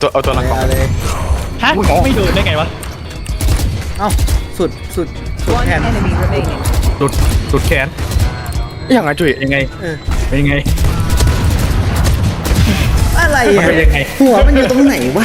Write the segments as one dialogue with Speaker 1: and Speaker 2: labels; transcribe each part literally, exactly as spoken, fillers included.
Speaker 1: ตัวเอาตัวหลังก่อน
Speaker 2: เอาเลย
Speaker 3: ฮะไม่โดนได้ไงวะ
Speaker 2: เอ้าสุดสุดสุด
Speaker 4: One
Speaker 2: แขน
Speaker 4: enemy remaining.
Speaker 3: หลุดหลุดแขน
Speaker 1: ยังไงจุ้ย
Speaker 3: ยังไง
Speaker 2: เออ
Speaker 3: เป็นยังไง
Speaker 2: อะไรอ่ะ
Speaker 3: เป็นยังไง
Speaker 2: หัวมันอยู่ตรงไหนวะ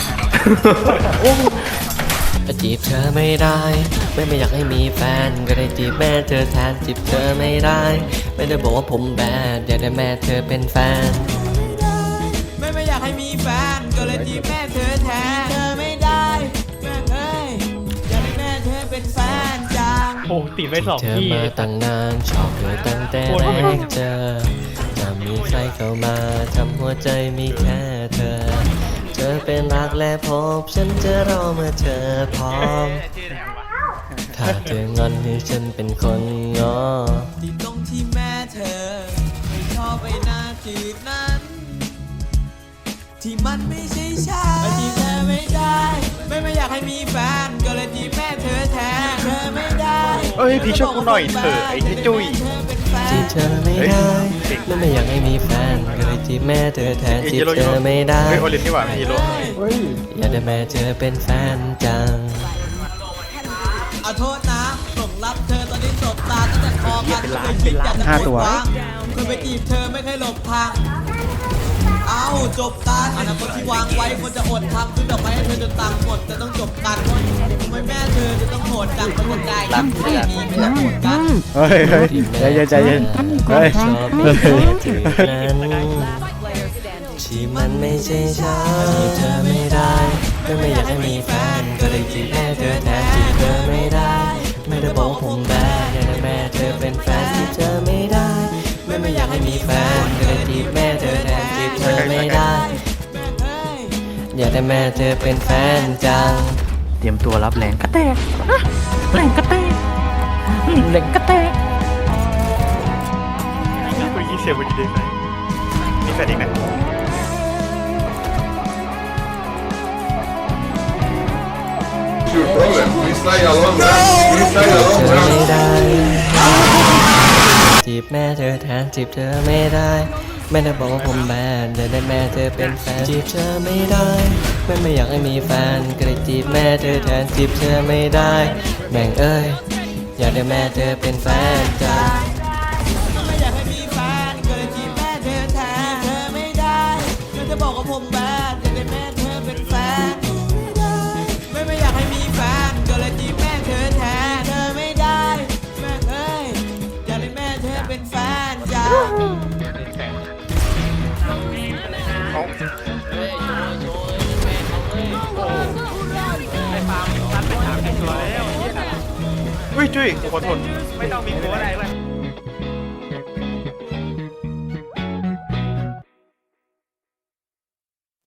Speaker 5: จีบเธอไม่ได้ไม่ไม่อยากให้มีแฟนก็ได้จีบแม่เธอแทนจีบเธอไม่ได้ ไม่ได้บอกว่าผมแบดอยากได้แม่เธอเป็นแฟน
Speaker 6: ไม่ไม่อยากให้มีแฟนก็เลยจีบแม่เธอแทนเธอไม่ได้แม่เอ้ยอยากให้แม่เธอเป็นแฟนจัง
Speaker 3: โอ้ติดไปสอง
Speaker 5: เธอ
Speaker 3: ที่
Speaker 5: มาตั้งนานชอบเธอตั้งแต่แรกเจอจะมีใครเข้ามาทำหัวใจมีแค่เธอเธอเป็นรักและพบฉันจะรอเมื่อเธอพร้อมถ้าเธองอนให้ฉันเป็นคนงอ
Speaker 6: ที่ตรงที่แม่เธอไม่ชอบไปหน้าจีบนั้น ที่มันไม่ใช่ฉันจีบเธอไม่ได้ไม่ไม่อยากให้มีแฟนก็เลยจีบแม่เธอแทนเธอไม่ได้
Speaker 1: เอ้ยพี่ช่วยกูหน่อยเถอะไอ้เจ๊จุ้ย
Speaker 5: จีบเธอไม่ได้ไม่ไม่อยากให้มีแฟนก็เลยจีบแม่เธอแทนจีบเธอไม่ได้
Speaker 1: เฮ้ยโอลินนี่หว่าไม่ฮีโร่
Speaker 5: อยากได้แม่เธอเป็นแฟนจัง
Speaker 6: เอาโทษนะส่งรับเธอตอนนี้สบตาตั้งแต่คอกันเคยคิดอยากจะ
Speaker 2: ห้าตัว
Speaker 6: เคยไปจีบเธอไม่เคยหลบทาง เอาจบกันอนาคตที่วางไว้ควรจะอดทำซื้อดอกไม้ให้เธอจนตังค์หมดจะต้องจบกันทำไมแม่เธอจะต้องโหดจังเป็นคนใจรักแค่นี้ไม่อยากโหดกัน
Speaker 2: เฮ้ยเฮ้ยใจเย็นใจเย็นเฮ้ย
Speaker 5: ชอบมีแค่เธอนั้น
Speaker 4: Player standing.
Speaker 5: ที่มันไม่ใช่ฉันจีบเธอไม่ได้ก็ไม่อยากให้มีแฟนก็เลยจีบแม่เธอแทนจีบเธอไม่ได้ ไม่ได้บอกว่าผมแบดอยากได้แม่เธอเป็นแฟนจีบเธอไม่ได้ไม่ไม่อยากให้มีแฟนก็เลยจีบแม่เธอแทนจีบเธอไม่ได้ อยากได้แม่เธอเป็นแฟนจัง
Speaker 3: เตรียมตัวรับแรงกระแตกแรงกระแตกแรงกระแตก
Speaker 1: คุยยี่เซลวันดีเดย์ไหมมีแฟนอีกไหม
Speaker 7: Your problem. We stay alone, man. We stay
Speaker 5: เธ
Speaker 7: alone,
Speaker 5: อ
Speaker 7: man.
Speaker 5: ไม่ได้จีบแม่เธอแทนจีบเธอไม่ได้ไม่ได้บอกว่าผมแบดอยากได้แม่เธอเป็นแฟนจีบเธอไม่ได้ไม่ไม่อยากให้มีแฟนก็เลยจีบแม่เธอแทนจีบเธอไม่ได้แม่งเอ้ยอยากได้แม่เธอเป็นแฟนจ้า
Speaker 6: ไม่อยากให้มีแฟนก็เลยจีบแม่เธอแทนเธอไม่ได้เธอจะบอกว่าผมแบดอยากได้แม่เธอเป็นแฟนไม่ไม่อยากให้มีแฟนก็เลยจีบแม่เธอแทนเธอไม่ได้แม่เอ้ยอยากได้แม่เธอเป็นแฟนจ้า
Speaker 1: เฮ้ยจุ้ยขอโทษไม่ต้องมีโค้ดอะไรเลย